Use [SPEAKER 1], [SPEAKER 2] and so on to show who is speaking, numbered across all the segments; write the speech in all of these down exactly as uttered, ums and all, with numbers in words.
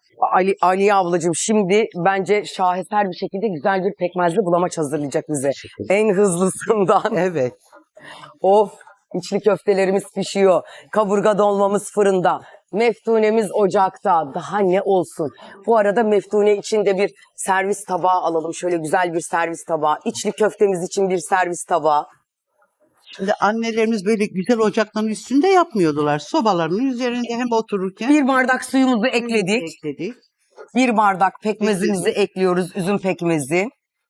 [SPEAKER 1] Ali, Ali ablacığım şimdi bence şaheser bir şekilde güzel bir pekmezli bulamaç hazırlayacak bize. En hızlısından.
[SPEAKER 2] Evet.
[SPEAKER 1] Of, içli köftelerimiz pişiyor. Kaburga dolmamız fırında. Meftunemiz ocakta. Daha ne olsun. Bu arada meftune için de bir servis tabağı alalım. Şöyle güzel bir servis tabağı. İçli köftemiz için bir servis tabağı.
[SPEAKER 2] Şimdi annelerimiz böyle güzel ocakların üstünde yapmıyordular. Sobaların üzerinde hem otururken
[SPEAKER 1] Bir bardak suyumuzu ekledik.
[SPEAKER 2] ekledik.
[SPEAKER 1] Bir bardak pekmezimizi ekliyoruz. Üzüm pekmezi.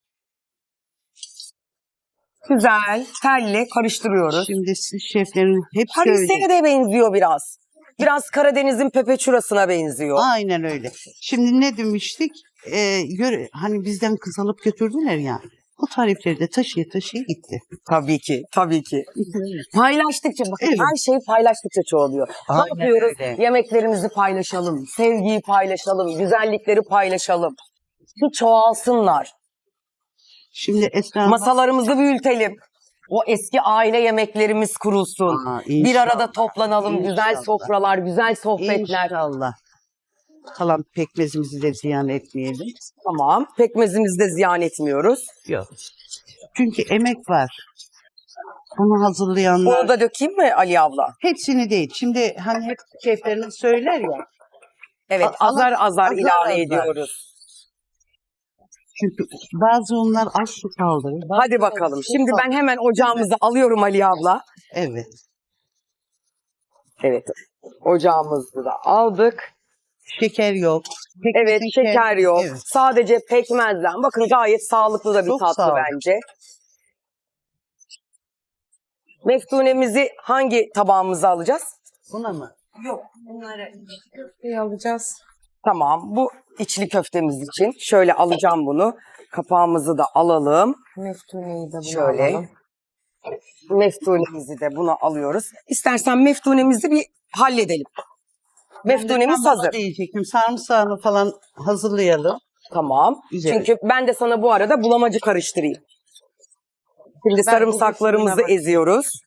[SPEAKER 1] Güzel. Telle karıştırıyoruz.
[SPEAKER 2] Şimdi siz şeflerin hepsi
[SPEAKER 1] Harise'ye
[SPEAKER 2] öyle.
[SPEAKER 1] de benziyor biraz. Biraz Karadeniz'in pepeçurasına benziyor.
[SPEAKER 2] Aynen öyle. Şimdi ne demiştik? Ee, yöre, hani bizden kız alıp götürdüler ya. Bu tarifleri de taşıya taşıya gitti.
[SPEAKER 1] Tabii ki, tabii ki. Paylaştıkça, bakın
[SPEAKER 2] Evet.
[SPEAKER 1] her şey paylaştıkça çoğalıyor.
[SPEAKER 2] Aynen
[SPEAKER 1] Ne yapıyoruz?
[SPEAKER 2] öyle.
[SPEAKER 1] Yemeklerimizi paylaşalım, sevgiyi paylaşalım, güzellikleri paylaşalım. Ki çoğalsınlar.
[SPEAKER 2] Şimdi Esra
[SPEAKER 1] Masalarımızı büyütelim. O eski aile yemeklerimiz kurulsun.
[SPEAKER 2] Aa,
[SPEAKER 1] Bir
[SPEAKER 2] inşallah.
[SPEAKER 1] arada toplanalım, güzel
[SPEAKER 2] İnşallah.
[SPEAKER 1] sofralar, güzel sohbetler.
[SPEAKER 2] İnşallah. Kalan pekmezimizi de ziyan etmeyelim.
[SPEAKER 1] Tamam, pekmezimizi de ziyan etmiyoruz.
[SPEAKER 2] Yok. Çünkü emek var. Bunu hazırlayanlar.
[SPEAKER 1] Bunu da dökeyim mi Ali abla?
[SPEAKER 2] Hepsini değil. Şimdi hani hep şefleriniz söyler ya.
[SPEAKER 1] Evet,
[SPEAKER 2] A-
[SPEAKER 1] azar azar,
[SPEAKER 2] azar
[SPEAKER 1] ilave
[SPEAKER 2] azar.
[SPEAKER 1] ediyoruz.
[SPEAKER 2] Çünkü bazı onlar az su kaldırır. bazı
[SPEAKER 1] Hadi bakalım.
[SPEAKER 2] su
[SPEAKER 1] Şimdi ben hemen ocağımızı alıyorum Ali abla.
[SPEAKER 2] Evet.
[SPEAKER 1] Evet. Ocağımızı da aldık.
[SPEAKER 2] Şeker yok. Pekmezin
[SPEAKER 1] Evet, şeker yok.
[SPEAKER 2] Evet.
[SPEAKER 1] Sadece pekmezden. Bakın gayet sağlıklı da bir
[SPEAKER 2] Çok
[SPEAKER 1] tatlı
[SPEAKER 2] sağlıklı.
[SPEAKER 1] bence. Meftunemizi hangi tabağımıza alacağız?
[SPEAKER 2] Buna mı?
[SPEAKER 1] Yok, bunları köfteye alacağız. Tamam, bu içli köftemiz için. Şöyle alacağım bunu. Kapağımızı da alalım.
[SPEAKER 3] Meftuneyi de bunu
[SPEAKER 1] Şöyle.
[SPEAKER 3] alalım.
[SPEAKER 1] Meftunemizi de buna alıyoruz. İstersen meftunemizi bir halledelim. Meftunemiz
[SPEAKER 2] Ben de
[SPEAKER 1] hazır.
[SPEAKER 2] diyecektim. Sarımsağını falan hazırlayalım.
[SPEAKER 1] Tamam.
[SPEAKER 2] Güzel.
[SPEAKER 1] Çünkü ben de sana bu arada bulamacı karıştırayım. Şimdi
[SPEAKER 2] Ben
[SPEAKER 1] sarımsaklarımızı
[SPEAKER 2] bu kısmına bak-
[SPEAKER 1] eziyoruz.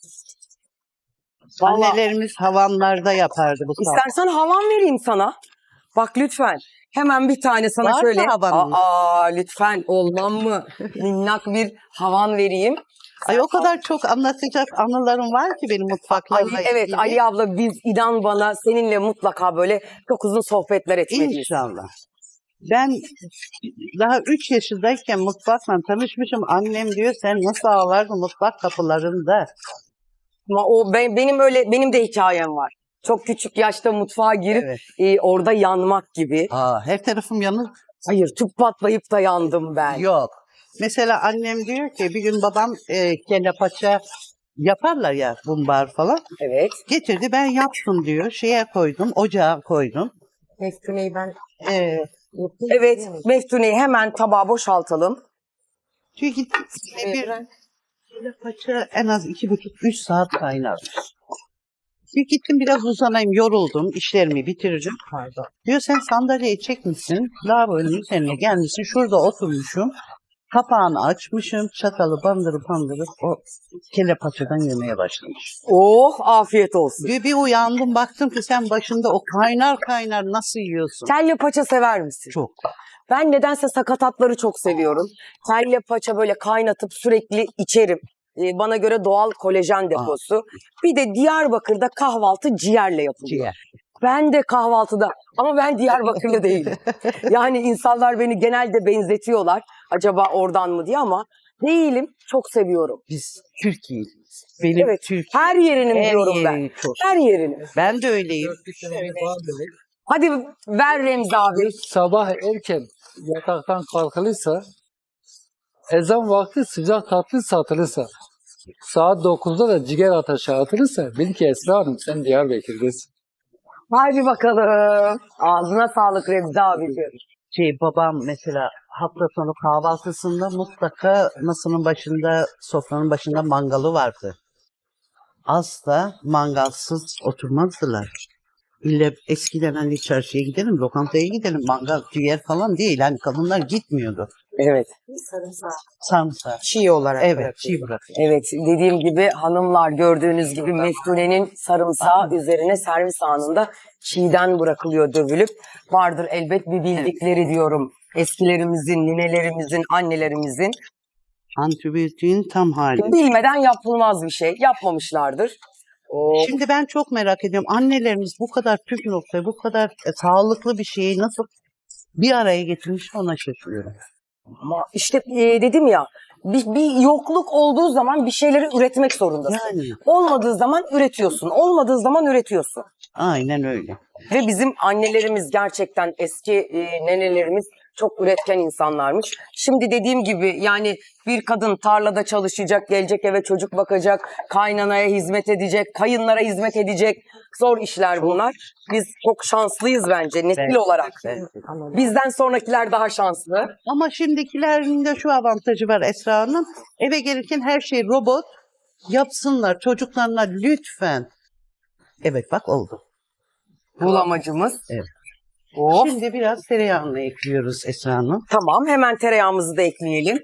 [SPEAKER 1] Vallahi
[SPEAKER 2] Annelerimiz havanlarda yapardı bu saat.
[SPEAKER 1] istersen havan vereyim sana. Bak lütfen. Hemen bir tane sana
[SPEAKER 2] Var mı
[SPEAKER 1] şöyle.
[SPEAKER 2] havanın?
[SPEAKER 1] Aa lütfen olmam mı? Minnak bir havan vereyim.
[SPEAKER 2] Ay o kadar çok anlatacak anılarım var ki benim mutfaklarla
[SPEAKER 1] Ali, evet
[SPEAKER 2] ilgili.
[SPEAKER 1] Ali abla biz inan bana seninle mutlaka böyle çok uzun sohbetler etmeliyiz.
[SPEAKER 2] İnşallah. Ben daha üç yaşındayken mutfakla tanışmışım. Annem diyor sen nasıl ağlardın mutfak kapılarında.
[SPEAKER 1] Ama o ben, benim öyle benim de hikayem var. Çok küçük yaşta mutfağa girip
[SPEAKER 2] Evet.
[SPEAKER 1] e, orada yanmak gibi.
[SPEAKER 2] Aa, her tarafım yanık.
[SPEAKER 1] Hayır tüp patlayıp da yandım ben.
[SPEAKER 2] Yok. Mesela annem diyor ki bir gün babam e, kelle paça yaparlar ya bumbar falan.
[SPEAKER 1] Evet.
[SPEAKER 2] Getirdi ben yaptım diyor. Şeye koydum, ocağa koydum.
[SPEAKER 3] Meftuneyi ben
[SPEAKER 2] Ee,
[SPEAKER 3] yapayım.
[SPEAKER 1] Evet. Meftuneyi hemen tabağa boşaltalım.
[SPEAKER 2] çünkü bir kelle paça en az iki buçuk üç saat kaynarmış. Bir gittim biraz uzanayım, yoruldum, işlerimi bitireceğim. Pardon. Diyor sen sandalyeyi çekmişsin, lavabonun üzerine gelmişsin, şurada oturmuşum. Kapağını açmışım, çatalı bandırıp bandırıp o kelle paçadan yemeye başlamış.
[SPEAKER 1] Oh afiyet olsun.
[SPEAKER 2] Bir, bir uyandım baktım ki sen başında o kaynar kaynar nasıl yiyorsun?
[SPEAKER 1] Kelle paça sever misin?
[SPEAKER 2] Çok.
[SPEAKER 1] Ben nedense sakatatları çok seviyorum. Kelle paça böyle kaynatıp sürekli içerim. Ee, bana göre doğal kolajen deposu. Bir de Diyarbakır'da kahvaltı ciğerle yapılıyor.
[SPEAKER 2] Ciğer.
[SPEAKER 1] Ben de kahvaltıda ama ben Diyarbakırlı değilim. Yani insanlar beni genelde benzetiyorlar. Acaba oradan mı diye ama değilim. Çok seviyorum.
[SPEAKER 2] Biz Türkiye'liyiz. Benim
[SPEAKER 1] Evet.
[SPEAKER 2] Türkiye.
[SPEAKER 1] Her yerinin
[SPEAKER 2] Her
[SPEAKER 1] diyorum ben.
[SPEAKER 2] yerini çok.
[SPEAKER 1] Her yerini.
[SPEAKER 2] Ben de öyleyim.
[SPEAKER 1] Hadi ver Remzi abi.
[SPEAKER 4] Sabah erken yataktan kalkılırsa, ezan vakti sıcak tatlı satılırsa, saat dokuzda da ciğer ateşe atılırsa, bil ki Esra Hanım sen Diyarbakır'dasın.
[SPEAKER 1] Hadi bakalım. Ağzına sağlık Remzi abiciğim.
[SPEAKER 2] Şey babam mesela hafta sonu kahvaltısında mutlaka masanın başında, sofranın başında mangalı vardı. Asla mangalsız oturmazdılar. İlle eskiden hani çarşıya gidelim, lokantaya gidelim, mangal, ciğer falan değil. Hani kadınlar gitmiyordu.
[SPEAKER 1] Evet.
[SPEAKER 2] Sarımsak.
[SPEAKER 3] Çiğ olarak.
[SPEAKER 2] Evet, çiğ bırakıyor.
[SPEAKER 1] Evet, dediğim gibi hanımlar gördüğünüz gibi meftunenin sarımsağı üzerine servis anında çiğden bırakılıyor dövülüp. Vardır elbet bir bildikleri diyorum. Eskilerimizin, ninelerimizin, annelerimizin.
[SPEAKER 2] Antibiyotiğin tam hali.
[SPEAKER 1] Bilmeden yapılmaz bir şey. Yapmamışlardır. O
[SPEAKER 2] Şimdi ben çok merak ediyorum. Annelerimiz bu kadar püf noktayı, bu kadar e, sağlıklı bir şeyi nasıl bir araya getirmiş ona şaşırıyorum.
[SPEAKER 1] ama işte e, dedim ya bir, bir yokluk olduğu zaman bir şeyleri üretmek zorundasın.
[SPEAKER 2] Yani
[SPEAKER 1] Olmadığı zaman üretiyorsun. Olmadığı zaman üretiyorsun.
[SPEAKER 2] aynen öyle.
[SPEAKER 1] Ve bizim annelerimiz gerçekten eski e, nenelerimiz çok üretken insanlarmış. Şimdi dediğim gibi yani bir kadın tarlada çalışacak, gelecek eve çocuk bakacak, kaynanaya hizmet edecek, kayınlara hizmet edecek. Zor işler bunlar. Biz çok şanslıyız bence nesil
[SPEAKER 2] Evet.
[SPEAKER 1] olarak.
[SPEAKER 2] Evet.
[SPEAKER 1] Bizden sonrakiler daha şanslı.
[SPEAKER 2] Ama şimdikilerin de şu avantajı var Esra Hanım. Eve gelirken her şey robot. Yapsınlar çocuklarına lütfen. Evet bak oldu.
[SPEAKER 1] Bulamacımız.
[SPEAKER 2] Evet.
[SPEAKER 1] Of.
[SPEAKER 2] Şimdi biraz tereyağını ekliyoruz Esra Hanım.
[SPEAKER 1] Tamam, hemen tereyağımızı da ekleyelim.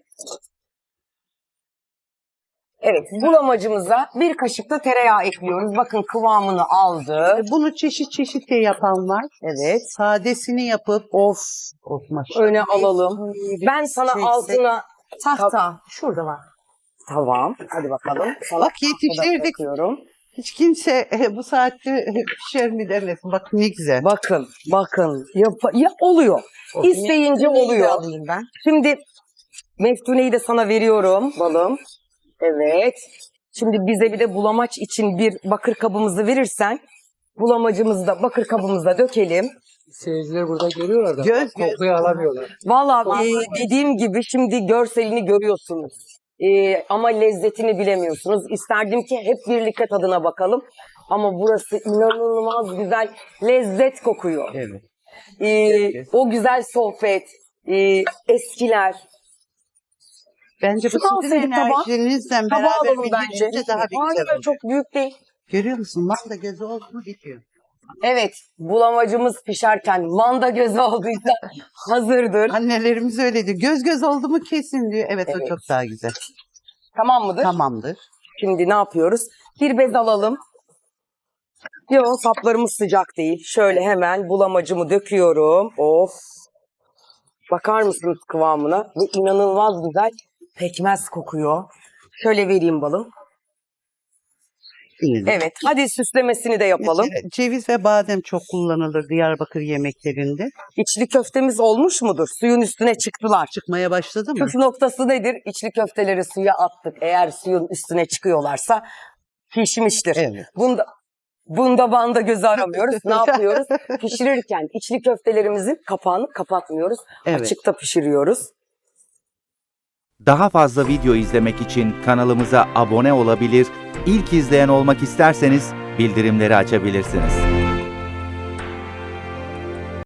[SPEAKER 1] Evet, bulamacımıza bir kaşık da tereyağı ekliyoruz. Bakın kıvamını aldı.
[SPEAKER 2] E, Bunu çeşit çeşit de yapan var.
[SPEAKER 1] Evet.
[SPEAKER 2] Sadesini yapıp of of maşallah.
[SPEAKER 1] Öne alalım. Ben sana
[SPEAKER 3] Çeksek.
[SPEAKER 1] altına...
[SPEAKER 3] Tahta. Şurada var.
[SPEAKER 1] Tamam, hadi bakalım. Sana
[SPEAKER 2] Bak
[SPEAKER 1] tahtada
[SPEAKER 2] yetiştirdik.
[SPEAKER 1] bırakıyorum.
[SPEAKER 2] Hiç kimse e, bu saatte pişer mi demesin. Bak ne güzel.
[SPEAKER 1] Bakın, bakın. Yap- ya oluyor. İsteyince
[SPEAKER 3] Neyi de
[SPEAKER 1] oluyor.
[SPEAKER 3] alayım ben.
[SPEAKER 1] Şimdi meftuneyi de sana veriyorum balım. Evet. Şimdi bize bir de bulamaç için bir bakır kabımızı verirsen bulamacımızı da bakır kabımıza dökelim.
[SPEAKER 4] Seyirciler burada görüyorlar da
[SPEAKER 2] Göz göz.
[SPEAKER 4] kokuyu alamıyorlar.
[SPEAKER 1] Valla e, dediğim gibi şimdi görselini görüyorsunuz. E, ama lezzetini bilemiyorsunuz. İsterdim ki hep birlikte tadına bakalım. Ama burası inanılmaz güzel lezzet kokuyor.
[SPEAKER 2] Evet.
[SPEAKER 1] E, o güzel sohbet, e, eskiler.
[SPEAKER 2] Bence bu
[SPEAKER 1] Şu
[SPEAKER 2] sizin
[SPEAKER 1] kalsaydı tabağı-
[SPEAKER 2] enerjinizle
[SPEAKER 1] Tabağı
[SPEAKER 2] beraber
[SPEAKER 1] alalım bence.
[SPEAKER 2] birlikte daha bir güzel
[SPEAKER 1] Hayır,
[SPEAKER 2] oluyor.
[SPEAKER 1] çok büyük değil.
[SPEAKER 2] Görüyor musun? Manda gözü oldu mu bitiyor.
[SPEAKER 1] Evet, bulamacımız pişerken manda gözü olduysa hazırdır.
[SPEAKER 2] Annelerimiz öyle diyor. Göz göz oldu mu kesin diyor. Evet,
[SPEAKER 1] Evet.
[SPEAKER 2] o çok daha güzel.
[SPEAKER 1] Tamam mıdır?
[SPEAKER 2] Tamamdır.
[SPEAKER 1] Şimdi ne yapıyoruz? Bir bez alalım. Yok, saplarımız sıcak değil. Şöyle hemen bulamacımı döküyorum. Of. Bakar mısınız kıvamına? Bu inanılmaz güzel pekmez kokuyor. Şöyle vereyim balım.
[SPEAKER 2] Dinledim.
[SPEAKER 1] Evet, hadi süslemesini de yapalım.
[SPEAKER 2] Mesela ceviz ve badem çok kullanılır Diyarbakır yemeklerinde.
[SPEAKER 1] İçli köftemiz olmuş mudur? Suyun üstüne çıktılar.
[SPEAKER 2] Çıkmaya başladı mı?
[SPEAKER 1] Püf noktası nedir? İçli köfteleri suya attık. Eğer suyun üstüne çıkıyorlarsa pişmiştir.
[SPEAKER 2] Evet.
[SPEAKER 1] Bunda bunda banda gözü aramıyoruz. Ne yapıyoruz? Pişirirken içli köftelerimizin kapağını kapatmıyoruz.
[SPEAKER 2] Evet.
[SPEAKER 1] Açıkta pişiriyoruz.
[SPEAKER 5] Daha fazla video izlemek için kanalımıza abone olabilir, ilk izleyen olmak isterseniz bildirimleri açabilirsiniz.